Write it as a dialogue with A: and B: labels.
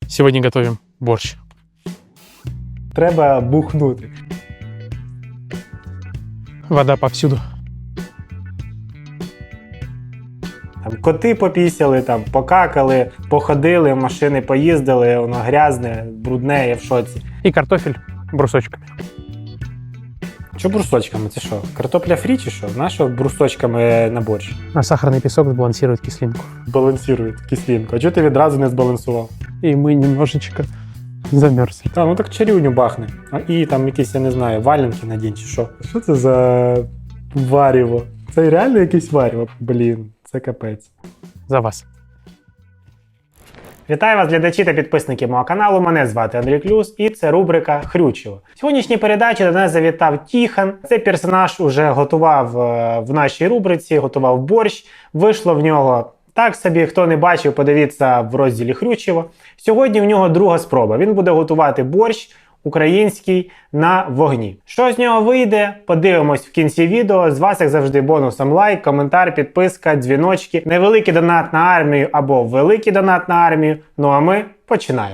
A: Сегодня готовим борщ.
B: Треба бухнути.
A: Вода повсюду.
B: Там коти попісяли, там покакали, походили, машини поїздили, воно грязне, брудне, я в шоці.
A: И картофель брусочками.
B: Що брусочками? Це що? Картопля фрі чи що? Нащо брусочками на борщ?
A: А сахарный песок сбалансирует кислинку.
B: Балансирує кислинку. А чого ти відразу не збалансував?
A: И мы немножечко замерзли.
B: А, ну так чарівню бахне. І там якісь, я не знаю, валенки надінь чи що. Що це за варіво? Це реально якесь варіво? Блін, це капець.
A: За вас.
B: Вітаю вас, глядачі та підписники мого каналу. Мене звати Андрій Клюс і це рубрика Хрючево. В сьогоднішній передачі до нас завітав Тіхон. Цей персонаж уже готував в нашій рубриці, готував борщ. Вийшло в нього так собі, хто не бачив, подивіться в розділі Хрючево. Сьогодні в нього друга спроба. Він буде готувати борщ український на вогні. Що з нього вийде, подивимось в кінці відео. З вас, як завжди, бонусом лайк, коментар, підписка, дзвіночки, невеликий донат на армію або великий донат на армію. Ну а ми починаємо.